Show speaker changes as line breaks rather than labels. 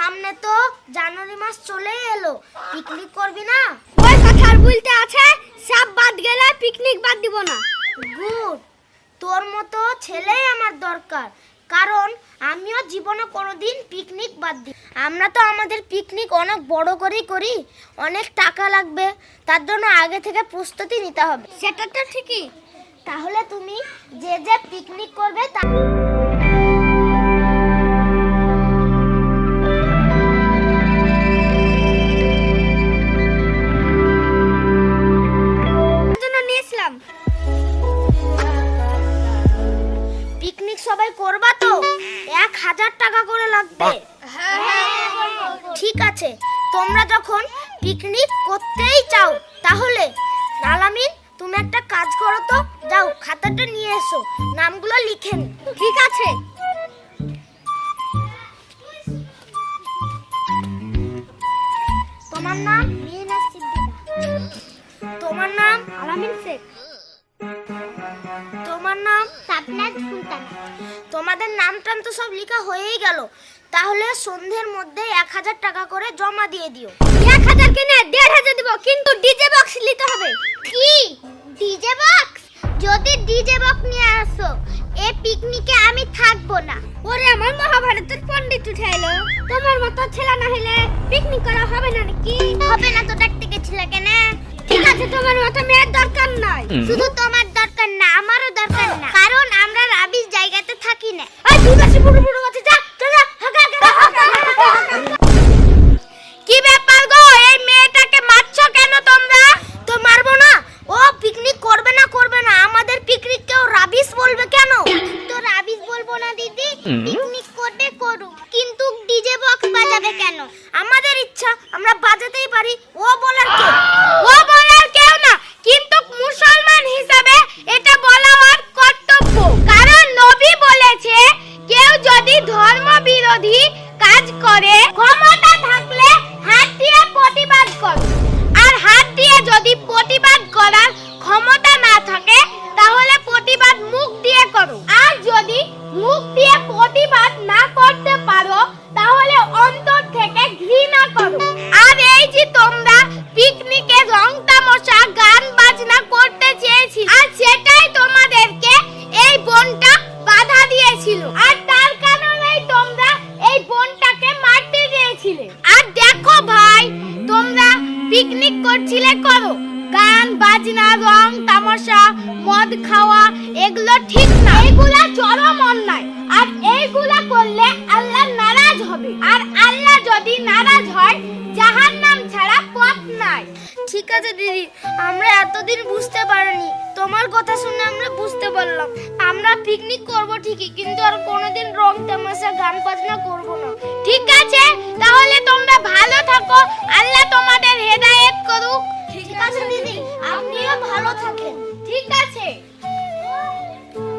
সামনে তো জানুয়ারি মাস চলেই এলো, পিকনিক করবি না?
ওই কথা আর বলতে আছে, সব বাদ গেলে পিকনিক বাদ দিব না।
গুড, তোর মতো ছেলেই আমার দরকার, কারণ আমিও জীবনে কোনোদিন পিকনিক বাদ দিই। আমরা তো আমাদের পিকনিক অনেক বড় করেই করি, অনেক টাকা লাগবে, তার জন্য আগে থেকে প্রস্তুতি নিতে হবে।
সেটা তো ঠিকই।
তাহলে তুমি যে যে পিকনিক করবে পিকনিক সবাই করবা তো? 1000 টাকা করে লাগবে। ঠিক আছে, তোমরা যখন পিকনিক করতেই চাও তাহলে আলামিন তুমি একটা কাজ করো তো, যাও খাতাটা নিয়ে এসো, নামগুলো লিখে নি।
ঠিক আছে।
তোমার নাম মিহিনা সিদ্দিকা। তোমার নাম
আলামিন শেখ।
তোমার নাম
সাবনাত সুলতান।
তোমাদের নাম টাম তো সব লেখা হয়েই গেল, তাহলে সন্ধ্যের মধ্যে 1000 টাকা করে জমা দিয়ে দিও।
1000 কেনে 1500 দিব, কিন্তু ডিজে বক্স নিতে হবে।
কি ডিজে বক্স? যদি ডিজে বক্স নিয়ে আসো এই পিকনিকে আমি থাকবো না।
ওরে আমার মহাভারতের পণ্ডিত উঠে এলো, তোমার মতো ছেলে না হলে পিকনিক করা হবে না নাকি?
হবে না তো, দেখতে গেছিলে কেন?
ঠিক আছে, তোমার মতো মেয়ের দরকার নাই।
শুধু তোমার দরকার না, আমারও দরকার না, কারণ আমরা রাবিশ জায়গাতে থাকি না।
ওই তুই বেশি বুড়ো বুড়ো কথা, যা যা
কি ব্যাপার গো, এই মেয়েটাকে মারছো কেন তোমরা? তো মারবো না, ও পিকনিক করবে না আমাদের পিকনিক কেউ রাবিশ বলবে কেন? তো রাবিশ বলবো না দিদি, পিকনিক করবে করুক, কিন্তু ডিজে বক্স বাজাবে কেন? আমাদের ইচ্ছা, আমরা বাজাতেই পারি, ও বলার কে? ও বলার কেউ না, কিন্তু মুসলমান হিসাবে এটা বলা আমার কর্তব্য, কারণ নবী বলেছে কেউ যদি ধর্ম বিরোধী কাজ করে ক্ষমতা থাকলে হাত দিয়ে প্রতিবাদ করো, আর হাত দিয়ে যদি প্রতিবাদ করার ক্ষমতা না থাকে তাহলে প্রতিবাদ মুখ দিয়ে করো, আর যদি মুখ দিয়ে প্রতিবাদ না করতে পারো তাহলে অন্তর থেকে ঘৃণা করো। আর এই যে তোমরা পিকনিকে রং তামাশা গান বাজনা করতে চেয়েছি, আর সেটাই তোমাদেরকে এই বোনটা বাধা দিয়েছিল, আর তার কারণেই তোমরা এই বোনটাকে মারতে গিয়েছিলে। আর দেখো ভাই, তোমরা পিকনিক করছিলে করো, গান বাজনা রং তামাশা মদ খাওয়া এগুলো ঠিক না, এগুলা চরম অন্যায়, আর এইগুলা করলে আল্লাহ নারাজ হবে, আর আল্লাহ যদি নারাজ হয় জাহান্নাম ছাড়া পথ নাই। ঠিক আছে দিদি, আমরা এতদিন বুঝতে পারিনি, তোমার কথা শুনে আমরা বুঝতে পারলাম। আমরা পিকনিক করব ঠিকই, কিন্তু আর কোনোদিন রং তামাশা গান বাজনা করব না।